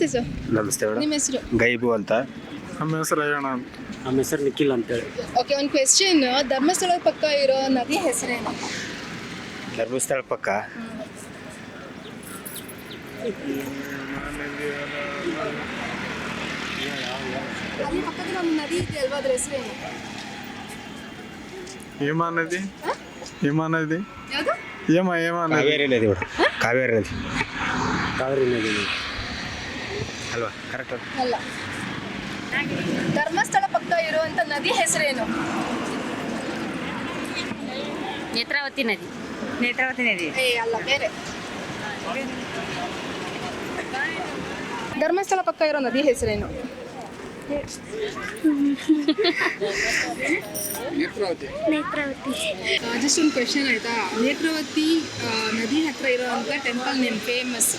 ನಮಸ್ತೆ ಸರ್. ನಮಸ್ತೆ ಮೇಡಮ್. ನಿಮ್ಮ ಹೆಸರು? ಗೈಬು ಅಂತ. ನಮ್ಮ ಹೆಸರು ಅಯ್ಯಣ್ಣ ಅಂತ. ನಮ್ಮ ಹೆಸರು ನಿಖಿಲ್ ಅಂತೇಳಿ. ಓಕೆ, ಒಂದು ಕ್ವೆಶ್ಚನ್. ಧರ್ಮಸ್ಥಳ ಪಕ್ಕ ಇರೋ ನದಿ ಹೆಸರೇನು? ಧರ್ಮಸ್ಥಳ ಪಕ್ಕ ಅಲ್ಲಿ ಪಕ್ಕದಲ್ಲಿ ಒಂದು ನದಿ ಇದೆ ಅಲ್ವಾ, ಅದ್ರ ಹೆಸರೇನು? ಹೇಮಾ ನದಿ. ಹೇಮಾ ನದಿ. ಯಾವುದು? ಹೇಮಾ ನದಿ. ಕಾವೇರಿ ನದಿ ಮೇಡಮ್. ಕಾವೇರಿ ನದಿ ಕಾವೇರಿ ನದಿ ಅಲ್ವಾ? ಕರೆಕ್ಟ್. ಅಲ್ಲ. ಧರ್ಮಸ್ಥಳ ಪಕ್ಕ ಇರುವಂತ ನದಿ ಹೆಸರೇನು? ನೇತ್ರಾವತಿ ನದಿ. ನೇತ್ರಾವತಿ ನದಿ. ಅಲ್ಲ, ಬೇರೆ. ಧರ್ಮಸ್ಥಳ ಪಕ್ಕ ಇರೋ ನದಿ ಹೆಸರೇನು? ನೇತ್ರಾವತಿ. ಜಸ್ಟ್ ಒಂದು ಕ್ವೆಶನ್ ಆಯ್ತಾ. ನೇತ್ರಾವತಿ ನದಿ ಹತ್ರ ಇರೋಂಥ ಟೆಂಪಲ್ ನೇಮ್ ಫೇಮಸ್.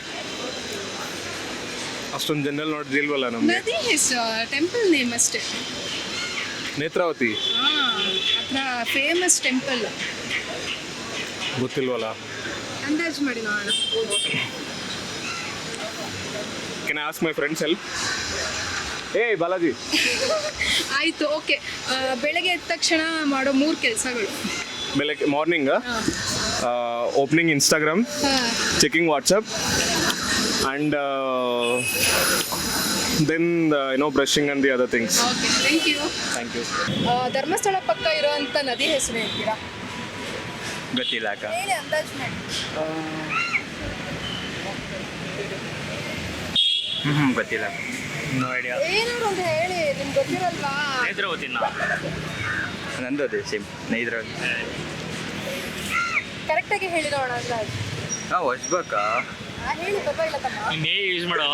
ಅಷ್ಟೊಂದು ಜನರಲ್ ನೋಡಿದಿಲ್ವಲ್ಲ ನಮ್ಗೆ. ನದಿ ಹೆಸರು, ಟೆಂಪಲ್ ನೇಮ್ ಅಷ್ಟೇ. ನೇತ್ರಾವತಿ ಹತ್ರ ಫೇಮಸ್ ಟೆಂಪಲ್. ಗೊತ್ತಿಲ್ವಲ್ಲ. ಅಂದಾಜು ಮಾಡಿ ನೋಡೋಣ. Can I ask my friends help? ಏಯ್ ಬಾಲಾಜಿ. ಆಯಿತು, ಓಕೆ. ಬೆಳಗ್ಗೆ ಎದ್ದ ತಕ್ಷಣ ಮಾಡೋ 3 ಕೆಲಸಗಳು. ಬೆಳಗ್ಗೆ morning opening Instagram, checking WhatsApp and then brushing and the other things. Okay, thank you. Dharmasthala ಪಕ್ಕ ಇರೋಂಥ ನದಿ ಹೆಸರು ಹೇಳ್ತೀರಾ? ಗೊತ್ತಿಲ್ಲ ಅಕ್ಕ. ಹೇಳಿ, ಅಂದಾಜು ಮಾಡಿ. ಗೊತ್ತಿಲ್ಲ. No idea. ಏನಾದ್ರು ಒಂದು ಹೇಳಿ, ನಿಮ್ಗೆ ಗೊತ್ತಿರಲ್ವಾ? ನೇತ್ರಾವತಿನ. ನಂದು ಅದೇ ಸೇಮ್ ನೇತ್ರಾವತಿ. ಕರೆಕ್ಟಾಗಿ ಹೇಳಿ ನೋಡೋಣ ಅಂದಾಜು. ಹೊಸ್ಬೇಕಾ? ಹೇಳಿ, ಪರವಾಗಿಲ್ಲ ತಮ್ಮ. ಯೂಸ್ ಮಾಡೋ.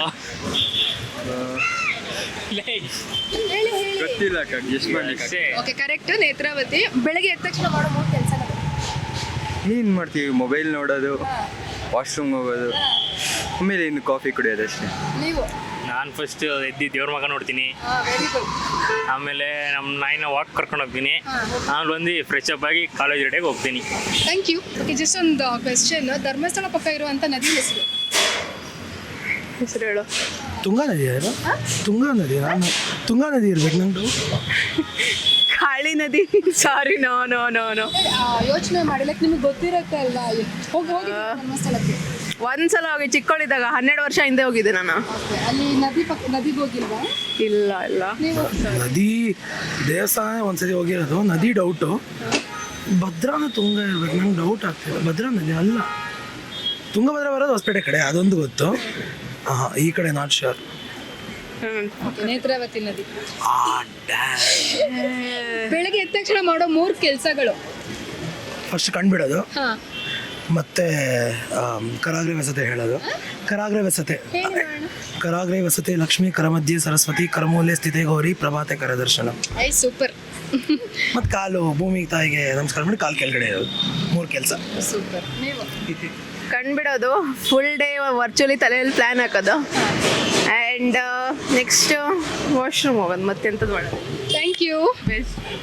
ಹೇಳಿ. ಗೊತ್ತಿಲ್ಲ ಅಕ್ಕ, ಗೆಸ್ಟ್ ಮಾಡ್ಲಿಕ್ಕೆ. Okay, correct. ನೇತ್ರಾವತಿ. ಬೆಳಗ್ಗೆ ಎದ್ದ ತಕ್ಷಣ ಮಾಡೋ 3 ಕೆಲಸಗಳು. ಏನು ಮಾಡ್ತೀವಿ? ಮೊಬೈಲ್ ನೋಡೋದು, ವಾಶ್ರೂಮ್ ಹೋಗೋದು, ಆಮೇಲೆ ಇನ್ನು ಕಾಫಿ ಕುಡಿಯೋದು ಅಷ್ಟೇ. ನೀವು? ನಾನು ಫಸ್ಟ್ ಎದ್ದು ದೇವ್ರ ಮಗ ನೋಡ್ತೀನಿ, ವೆರಿ ಗುಡ್. ಆಮೇಲೆ ನಮ್ಮ ನಾಯಿನ ವಾಕ್ ಕರ್ಕೊಂಡು ಹೋಗ್ತೀನಿ, ಆಮೇಲೆ ಬಂದು ಫ್ರೆಶ್ ಅಪ್ ಆಗಿ ಕಾಲೇಜ್ ರೆಡಿಯಾಗಿ ಹೋಗ್ತೀನಿ. Thank you. ಓಕೆ, ಜಸ್ಟ್ ಒಂದು ಕ್ವೆಶ್ಚನ್. ಧರ್ಮಸ್ಥಳ ಪಕ್ಕ ಇರುವಂಥ ನದಿ ಹೆಸರು ಹೇಳು. ತುಂಗಾ ನದಿ. ತುಂಗಾ ನದಿ. ನಾನು ತುಂಗಾ ನದಿ ಇರ್ಬೇಕು ನಂದು. ಕಾಳಿ ನದಿ. Sorry, no no no no. ಯೋಚನೆ ಮಾಡಿ, ಲೈಕ್ ನಿಮ್ಗೆ ಗೊತ್ತಿರತ್ತೆ ಅಲ್ವಾ? ಹೋಗಿ ಧರ್ಮಸ್ಥಳಕ್ಕೆ ಒಂದ್ಸಲ ಹೋಗಿ, ಚಿಕ್ಕವಳಿದ್ದಾಗ 12 ವರ್ಷ ಹಿಂದೆ ಹೋಗಿದ್ದೆ ನಾನು. ಓಕೆ, ಅಲ್ಲಿ ನದಿಗೆ ಹೋಗಿಲ್ವಾ? ಇಲ್ಲ. ನೀವು? ನದಿ ದೇವಸ್ಥಾನ ಒಂದ್ಸರಿ ಹೋಗಿರೋದು. ನದಿ ಡೌಟು. ಭದ್ರಾನ ತುಂಗ ಇರ್ಬೇಕು, ನಂಗೆ ಡೌಟ್ ಆಗ್ತಿದೆ. ಭದ್ರಾ ನದಿ ಅಲ್ಲ, ತುಂಗಭದ್ರಾ ಬರೋದು ಹೊಸಪೇಟೆ ಕಡೆ, ಅದೊಂದು ಗೊತ್ತು. ಈ ಕಡೆ ನಾಟ್ ಶ್ಯೂರ್. ನೇತ್ರಾವತಿ ನದಿ. ಬೆಳಗ್ಗೆ ಎದ್ದ ತಕ್ಷಣ ಮಾಡೋ 3 ಕೆಲಸಗಳು. ಫಸ್ಟ್ ಕಂಡುಬಿಡೋದು, ಮತ್ತೆ ಕರಾಗ್ರೆ ವಸತೆ ಹೇಳೋದು. ಕರಾಗ್ರೆ ವಸತೆ ಲಕ್ಷ್ಮೀ, ಕರಮಧ್ಯೆ ಸರಸ್ವತಿ, ಕರಮೂಲೆ ಸ್ಥಿತೆ ಗೌರಿ, ಪ್ರಭಾತೆ ಕರದರ್ಶನ. ಸೂಪರ್. ಮತ್ತು ಕಾಲು ಭೂಮಿ ತಾಯಿಗೆ ನಮಸ್ಕಾರ ಮಾಡಿ ಕಾಲು ಕೆಳಗಡೆ ಇರೋದು. 3 ಕೆಲಸ. ಸೂಪರ್. ನೀವು? ಕಂಡುಬಿಡೋದು, ಫುಲ್ ಡೇ ವರ್ಚುವಲಿ ತಲೆಯಲ್ಲಿ ಪ್ಲ್ಯಾನ್ ಹಾಕೋದು, ಆ್ಯಂಡ್ ನೆಕ್ಸ್ಟ್ ವಾಶ್ರೂಮ್ ಹೋಗೋದು, ಮತ್ತೆಂಥದ್ದು ಮಾಡೋದು. Thank you.